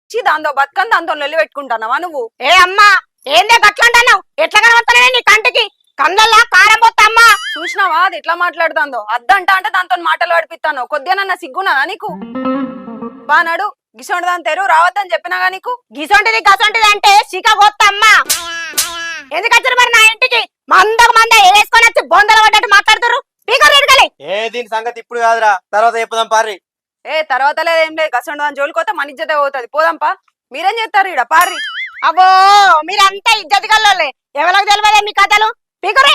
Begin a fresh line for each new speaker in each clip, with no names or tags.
వచ్చి దాంతో బతుకని దాంతో లొల్లి పెట్టుకుంటున్నావా నువ్వు?
ఏ అమ్మా ఏందే గట్లంటున్నావు? ఎట్లా కనబడుతున్నావే నీ కంటికి? కళ్ళల్లా కారం పోత్తమ్మా.
చూసినావా అది ఎట్లా మాట్లాడుతుందో? అద్దంట అంటే దాంతో మాటలు పడిపిస్తాను. కొద్దిగా సిగ్గున్నదా నీకు? బానాడు గిసోంటి దాని తెరు రావద్దని చెప్పినాగా నీకు.
గిసొంటిది గసొంటిది అంటే చిక పోత్తమ్మా. ఎందుకు వచ్చారు మరి నా ఇంటికి? మంద వేసుకొని వచ్చి బొందలు పడ్డట్టు మాట్లాడుతారు. స్పీకర్ ఎడగలి.
ఏ దీని సంగతి ఇప్పుడు కాదురా, తర్వాత చెప్పుదాం పారి.
ఏ తర్వాత లేదేం లేదు. గసోంటి దాని జోలికి మన ఇజ్జతే పోతుంది. పోదాంపా. మీరేం చేస్తారు ఈడ పార్రి?
అబ్బో మీరంతా ఇజ్జత్ గల్లోలే. ఎవరికి తెలియదే మీ కథలు. స్పీకరే.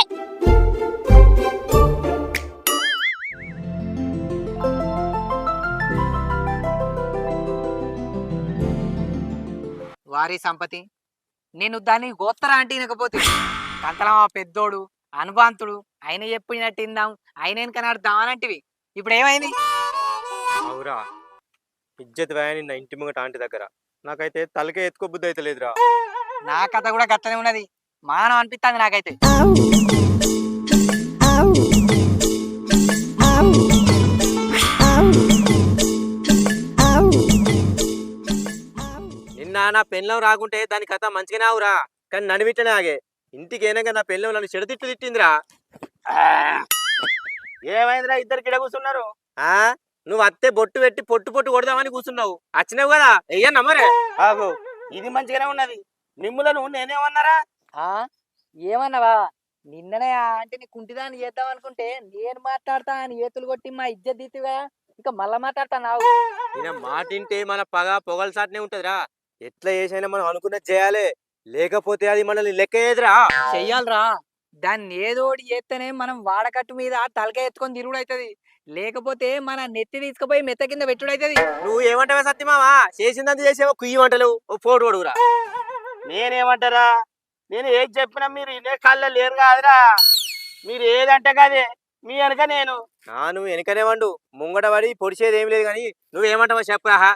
వారి సంపతి నేను దాన్ని గోత్తరా అంటే వినకపోతే కంతలమా పెద్దోడు అనుభాంతుడు ఆయన చెప్పినట్టు ఇందాం ఆయన వెనక నడుద్దామనంటివి. ఇప్పుడు ఏమైంది?
అవురా, ఇజ్జత్ వ్యాని నా ఇంటి ముంగట ఆంటీ దగ్గర నాకైతే తలకే ఎత్తుకో బుద్ధి అయితే లేదురా.
నా కథ కూడా గట్లనే ఉన్నది. మానం అనిపిస్తుంది నాకైతే.
నిన్న నా పెళ్ళం రాకుంటే దాని కథ మంచిగానే అవురా, కానీ నడివిట్టనే ఆగే. ఇంటికి ఏనాక నా పెళ్ళం నన్ను చెడతిట్టు తిట్టిందిరా. ఏమైందిరా ఇద్దరు కిడ కూర్చున్నారు? నువ్వు అత్తే బొట్టు పెట్టి పొట్టు కొడదామని కూర్చున్నావు. వచ్చినావు కదా ఎయ్యన్నా మరే. ఆగు, ఇది మంచిగానే ఉన్నది. మిమ్ములను నేనేమన్నారా?
ఏమన్నావా? నిన్ననే ఆ ఆంటీని కుంటిదాన్ని చేద్దాం అనుకుంటే నేను మాట్లాడతా అని ఏతులు కొట్టి మా ఇజ్జత్ దిత్తుగా ఇంకా మళ్ళా మాట్లాడతా నావు.
ఈయన మాటింటే మన పగ పొగల సాటనే ఉంటదిరా. ఎట్లా చేసైనా మనం అనుకున్నది చేయాలి, లేకపోతే అది మనల్ని లెక్కేదిరా.
చెయ్యాలరా. దాన్ని ఏదోటి చేస్తేనే మనం వాడకట్టు మీద తలకాయ ఎత్తుకొని తిరుగుడు అవుతుంది. లేకపోతే మన నెత్తి తీసుకుపోయి మెత్త కింద పెట్టుడు అవుతుంది.
నువ్వు ఏమంటావా సత్యమావా? చేసిందంత చేసేవో కుయ్యి వంటలు ఓ పోటు కొడుగురా. నేనేమంటారా? నేను ఏది చెప్పినా మీరు ఇదే కళ్ళ లేరు కాదురా. మీరు ఏదంటే కదే మీ వెనక నేను. నువ్వు వెనకనే వండు, ముంగట పడి పొడిచేది ఏం లేదు. కానీ నువ్వేమంటావా చెప్పరా?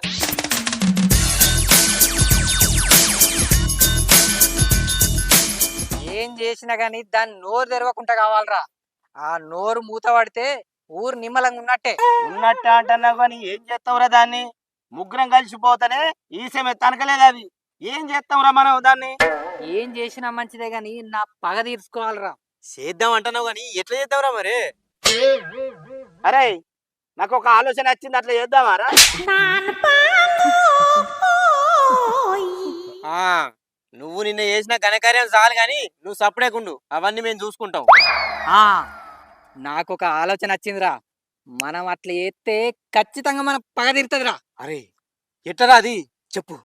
ఏం చేసినా గానీ దాన్ని నోరు తెరవకుండా కావాలరా. ఆ నోరు మూత పడితే ఊరు నిమ్మలంగా ఉన్నట్టే.
ఉన్నట్ట అంటున్నావు కానీ ఏం చేస్తావురా దాన్ని? ముగ్గురం కలిసిపోతానే ఈసమే తనకలేదు. అది ఏం చేస్తావురా మనం దాన్ని?
ఏం చేసినా మంచిదే గాని నా పగ తీర్చుకోవాలరా.
చేద్దాం అంటున్నావు కానీ ఎట్లా చేద్దాంరా మరి? అరే నాకు ఒక ఆలోచన వచ్చింది, అట్లా చేద్దామారా? నువ్వు నిన్న చేసిన ఘనకార్యం చాలు గాని నువ్వు సపడేకుండు, అవన్నీ మేము చూసుకుంటాం.
నాకొక ఆలోచన వచ్చిందిరా. మనం అట్లా చేస్తే ఖచ్చితంగా మన పగ తీరుతుందిరా.
అరే ఎట్టరా అది చెప్పు.